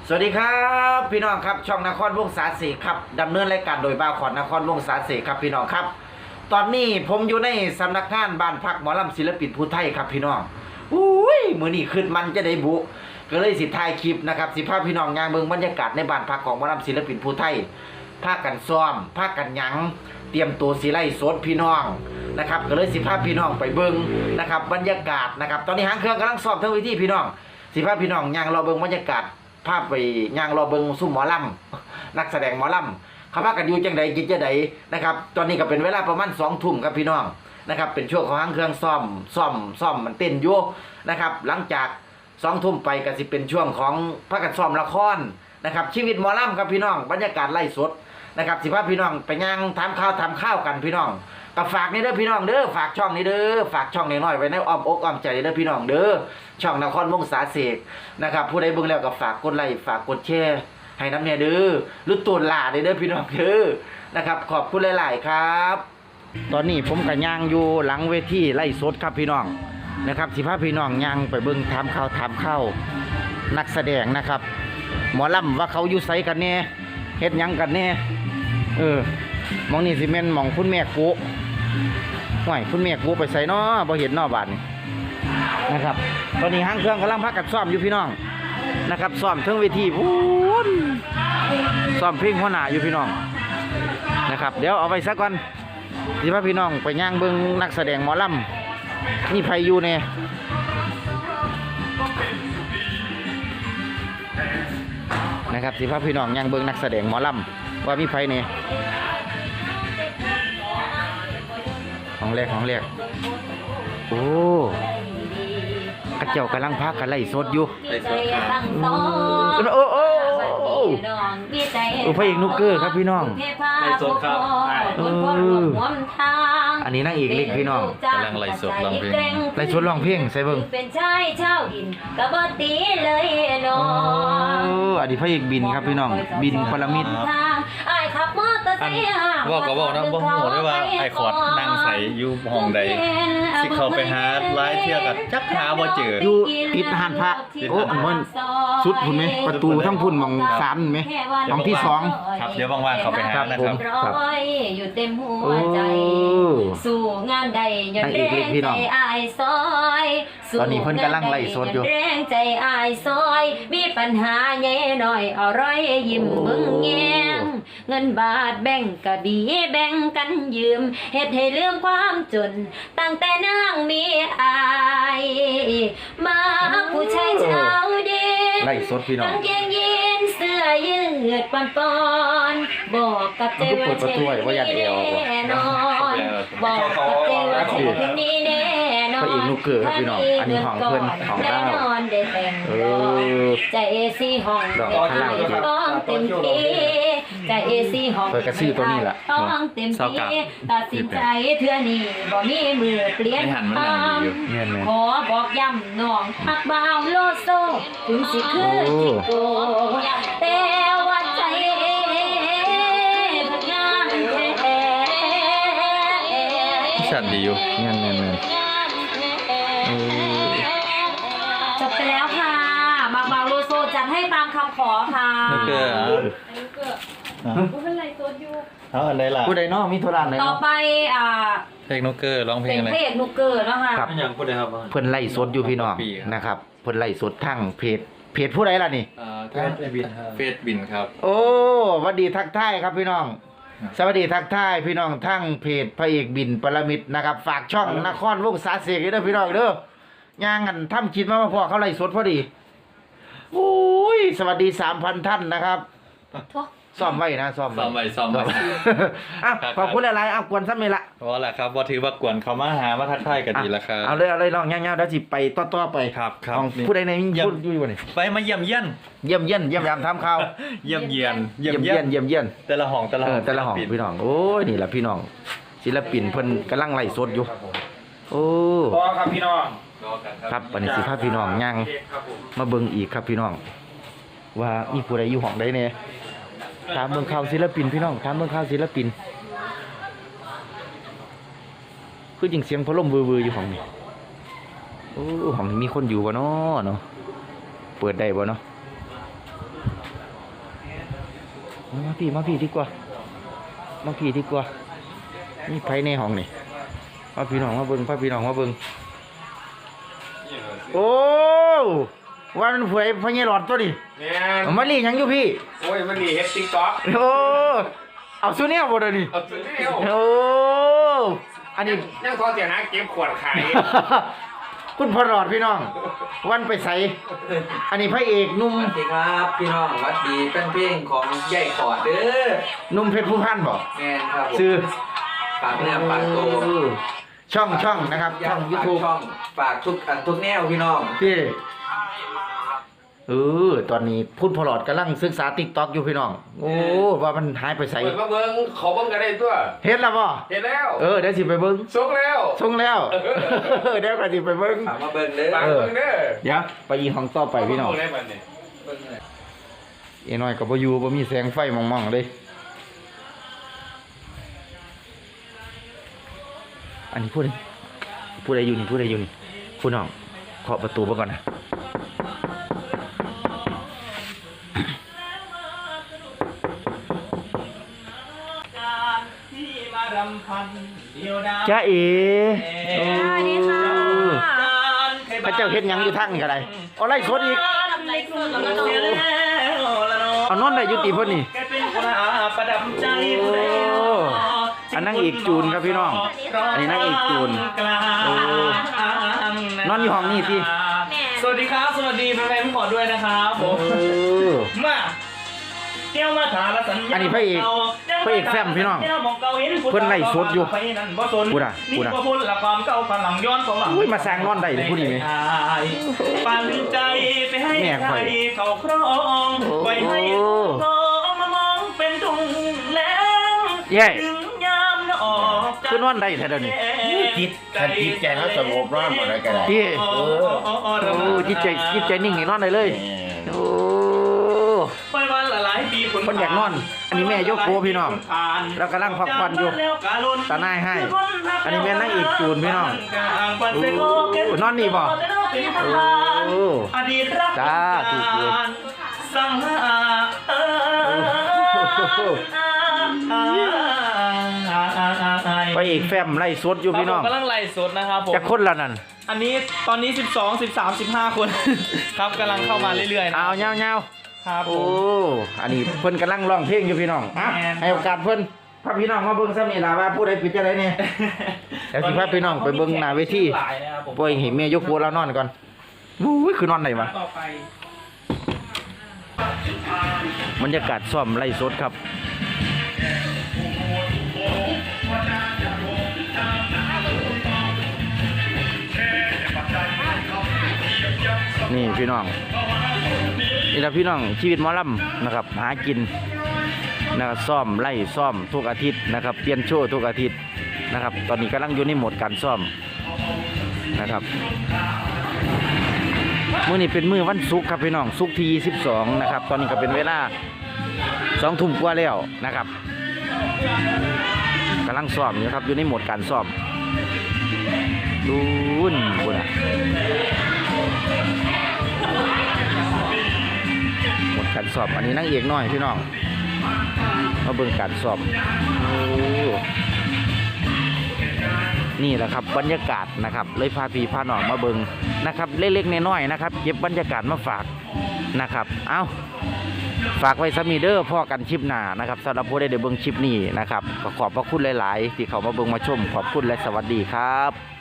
สวัสดีครับพี่น้องครับช่องนครวงศาสีครับดำเนินรายการโดยบ่าวขอนนครวงศาสีครับพี่น้องครับตอนนี้ผมอยู่ในสำนักงานบ้านพักหมอลำศิลปินผู้ไทยครับพี่น้องอุ้ยมือนี้ขึ้นมันจะได้บุก็เลยสิถ่ายคลิปนะครับสิพาพี่น้องงานเบิ่งบรรยากาศในบ้านพักของหมอลำศิลปินผู้ไทยพากันซ้อมพากันหยังเตรียมตัวสิไล่สดพี่น้องนะครับก็เลยสิพาพี่น้องไปเบิ่งนะครับบรรยากาศนะครับตอนนี้หางเครื่องกำลังซ้อมทั้งวิธีพี่น้องสิพาพี่น้องย่างรอเบิ่งบรรยากาศภาพไปย่างรอเบิงซุ่มหมอลำนักแสดงหมอลำเขาพากันอยู่จังใดกินจังใดนะครับตอนนี้ก็เป็นเวลาประมาณ2 ทุ่มครับพี่น้องนะครับเป็นช่วงของหางเครื่องซ่อมมันเต้นอยู่นะครับหลังจาก2 ทุ่มไปก็สิเป็นช่วงของพากันซ้อมละครนะครับชีวิตหมอลำครับพี่น้องบรรยากาศไล่สดนะครับสิพาพี่น้องไปย่างทำข้าวกันพี่น้องก็ฝากนี่เด้อพี่น้องเด้อฝากช่องนี้เด้อฝากช่องน้อยๆไว้ในอ้อมอกอ้อมใจเด้อพี่น้องเด้อช่องนครวงศาเสกนะครับผู้ใดเบิ่งแล้วก็ฝากกดไลค์ฝากกดแชร์ให้น้ำเนี่ยเด้อหรือตูนหลาเด้อพี่น้องเด้อนะครับขอบคุณหลายๆครับตอนนี้ผมก็ย่างอยู่หลังเวทีไล่สดครับพี่น้องนะครับสิพาพี่น้องย่างไปเบิ่งถามข่าวนักแสดงนะครับหมอลำว่าเขาอยู่ไสกันแน่เฮ็ดหยังกันแน่มองนี่สิแม่นมองคุณแม่กุห่วยคุณแม่กุไปใส่น้อบ่เห็นน้อบาดนี่นะครับตอนนี้หางเครื่องกำลังพักกันซ้อมอยู่พี่น้องนะครับซ้อมเทิงเวทีพูนซ้อมเพลงหัวหน้าอยู่พี่น้องนะครับเดี๋ยวเอาไปซะก่อนสิพาพี่น้องไปย่างเบิ่งนักแสดงหมอลำนี่ไผอยู่แน่นะครับสิพาพี่น้องย่างเบิ่งนักแสดงหมอลำว่ามีไผแน่ของแรกโอ้กระเจ้ากำลังพักกันไล่สดอยู่ไล่สดครับโอ้พระเอกนุกเกอร์ครับพี่น้องไล่สดครับอันนี้นางเอกเล็กพี่น้องกำลังไล่สดร้องเพลงไล่สดร้องเพลงใส่เบิ่งเป็นชายเช่าดินกระบตีเลยน้องอันนี้พระเอกบินครับพี่น้องบินปรมิตรไอ้ขับมอเตอร์ไซค์ว่าก็บอกนะบ่ฮู้ได้ว่าไอ้ขอดนั่งใส่อยู่ห้องใดสิเข้าไปหาหลายเที่ยกับจักหาบ่เจออยู่ติดหานพระโอ้มันสุดพุ่นมั้ยประตูทั้งพุ่นมอง3มั้ยมองที่2 ครับเดี๋ยวว่างๆเข้าไปหานะครับครับอยู่เต็มหัวใจสู่งานใดยอดแรงใจอายซอยตอนนี้เพิ่นกำลังไล่สดอยู่แรงใจอายซอยมีปัญหาแย่หน่อยเอาร้อยยิ้มมึงแงงเงินบาทแบ่งก็ดีแบ่งกันยืมเฮ็ดให้ลืมความจนตั้งแต่นางมีอายมาผู้ชายเช้าเด็กไล่สดพี่น้องกางเกงยีนเสื้อยืดปอนบอกกับเจ้ว่าเช่แน่นอนบอกกับเจ้ว่าเช่นี้แน่นอนพระเอกนุกเกอร์ครับพี่น้องอันนี้ห้องเพิ่นของเราได้แต่งใจสีห้องต้องเต็มที่ใจสีห้องต้องเต็มที่ตัดสินใจเทื่อนี้บ่มีมือเปลี่ยนคำขอบอกย้ำน้องฮักบ่าวโลโซถึงสิคือจิโกแต่ว่าใจพักงานแท้ชัดดีอยู่แม่นจบไปแล้วค่ะมาบ่าวโลโซจัดให้ตามคำขอค่ะนุกเกอร์ผู้เป็นไรโซดอยู่เอาอะไรล่ะผู้ใดเนาะมีธุระไหนต่อไปเพลงนุกเกอร์ร้องเพลงอะไรเป็นเพลงนุกเกอร์แล้วค่ะครับอย่างพูดเลยครับเพิ่นไล่สดอยู่พี่น้องนะครับเพิ่นไล่สดทั้งเพจผู้ใดล่ะนี่เฟซบินครับโอ้สวัสดีทักทายครับพี่น้องสวัสดีทักทายพี่น้องทั้งเพจพระเอกบินปรมิตรนะครับฝากช่องนครวงศาเสกด้วยพี่น้องเด้อย่างกันทำคิดมาว่าพอเขาไล่สดพอดีโอ้ยสวัสดี 3,000 ท่านนะครับซ่อมไว้นะซ่อมไว้ขอบคุณหลายๆกวนซ้ำนี่ละเพราะแหละครับว่าถือว่ากวนเขามาหามาทักทายกันดีละครับเอาเลยลองย่างๆแล้วสิไปต่อไปครับผู้ใดในพูดอยู่บ่นี่ไปมาเยี่ยมเยามทำข่าวเยี่ยมเยียนแต่ละห้องพี่น้องโอ้ยนี่แหละพี่น้องศิลปินเพิ่นกำลังไล่สดอยู่โอ้ครับพี่น้องครับปณิสิภาพพี่น้องย่างมาเบิ่งอีกครับพี่น้องว่ามีผู้ใดอยู่ห้องใดแน่ถามเบิ่งข่าวศิลปินพี่น้องถามเบิ่งข่าวศิลปินคือจริงเสียงพัดลมวือๆอยู่ห้องนี้โอ้ห้องนี้มีคนอยู่บ่เนาะเปิดได้บ่เนาะมาพี่ดีกว่านี่ไผในห้องนี่มาพี่น้องมาเบิ่งโอ้ว่ามันเผยพญาหลอดตัวดิแม่นเอามาลีหยังอยู่พี่โอ้ยมันนี่เฮ็ด TikTok โอ้เอาซูเนี่ยบ่เด้อนี่เอาตัวนี้เอาโอ้อันนี้ยังพอเสียหาเก็บขวดขายคุณพ่อหลอดพี่น้อง วันไปใส่อันนี้พระเอกหนุ่มสวัสดีครับพี่น้องสวัสดีเป็นเพลงของใหญ่ขอดเด้อหนุ่มเพชรผู้พันบ่แมนครับผมชื่อฝากเนื้อฝากตัวช่องนะครับช่องฝาก YouTube ช่องฝากทุกแนวพี่น้องพี่ตอนนี้พูดพอหลอดกำลังศึกษา TikTok อยู่พี่น้อง โอ้ว่ามันหายไปใส่เปิดมาเบิ่งเขาเบิ่งกันได้ตัวเฮ็ดแล้วบ่เห็นแล้วเดี๋ยวสิไปเบิ่งส่งแล้วส่งแล้ว เดี๋ยวก็สิไปเบิ่งฝากมาเบิ่งเด้อฝากเบิ่งเด้อเดี๋ยวไปอีห้องต่อไปพี่น้องเบิ่ได้บัดนี้เบิ่งเลยเอ้น้อยก็บ่อยู่บ่มีแสงไฟมองๆเลยอันนี้พูดอะไรอยู่นี่พูดน้องเคาะประตูเบิ่งก่อนนะจ้าเอ๋โอ้สวัสดีค่ะพระเจ้าเฮ็ดหยังอยู่ทางนี่ก็ได้เอาไล่สดอีกทำไรสดแล้วก็นอนเอานอนได้อยู่ติเพิ่นนี่ประดับใจโอ้อันนั่งอีกจูนครับพี่น้อง อันนี้นั่งอีกจูนโอ้นอนอยู่ห้องนี่ติสวัสดีครับสวัสดีแฟนๆทุกคนด้วยนะครับผม มาเที่ยวมาถาละสัญญาอันนี้พระเอกแซมพี่น้องเพิ่นไล่สดอยู่พูดอ่ะพูดละความเก่าพลังย้อนของหลังอุ้ยมาสร้างนอนได้เลยผู้นี้ไหมปันใจไปให้แม่ใคข่รอยเขาครองไว้ให้เขามามองเป็นทุ่งแล้วเย้ถึงยามละออกจากคือนอนได้แท้เดี๋ยวนี้จิตใจเขาสงบนอนบ่ได้ก็ได้พี่โอ้จิตใจนิ่งนี่นอนได้เลยโอ้ไปวันละหลายปีผลคนอยากนอนอันนี้แม่ยกโกพี่น้องแล้วกำลังพักผ่อนอยู่ตาหน้าให้อันนี้แม่นั่งอีกจูนพี่น้องโอ้นอนนี่บ่โอ้อดีตรักจ้าถูกเลยสังหาไปอีกแฟมไล่สดอยู่พี่น้องผมกำลังไล่สดนะครับผมจะคนละนั่นอันนี้ตอนนี้12 13 15 คน ครับกำลังเข้ามาเรื่อยๆนะเอาเงาครับๆผโอ้มอันนี้เพิ่นกำลังร้องเพลงอยู่พี่น้องอ่ะแม่นให้โอกาสเพิ่นพาพี่น้องมาเบิ่งซ้ำนี่ล่ะว่าผู้ใดปิดจะได้เนี่ย เดี๋ยวสิพาพี่น้องไปเบิ่งหน้าเวทีหลายนะครับผมปล่อยให้แม่ยกหัวแล้วนอนก่อนอุ้ยคือนอนไหนวะต่อไปบรรยากาศซ่อมไล่สดครับ นี่พี่น้องนี่ละพี่น้องชีวิตหมอลำนะครับหากินนะครับซ่อมไล่ซ่อมทุกอาทิตย์นะครับเปลี่ยนโชว์ทุกอาทิตย์นะครับตอนนี้กำลังอยู่ในโหมดการซ่อมนะครับมื้อนี้เป็นมื้อวันศุกร์ครับพี่น้องศุกร์ที่22นะครับตอนนี้ก็เป็นเวลา2 ทุ่มกว่าแล้วนะครับกำลังซ่อมอยู่ครับอยู่ในโหมดการซ่อมดูนบุญอ่ะหมดการสอบอันนี้นั่งเอกน้อยพี่น้องมาเบิ่งการสอบโอ้นี่แหละครับบรรยากาศนะครับเลยพาพี่พาน้องมาเบิ่งนะครับเล็กๆน้อยๆนะครับเก็บบรรยากาศมาฝากนะครับเอาฝากไว้สมีเดอร์พ่อกันชิปหน้านะครับสำหรับผู้ใดได้เบิ่งชิปนี้นะครับขอบพระคุณหลายๆที่เขามาเบิ่งมาชมขอบคุณและสวัสดีครับ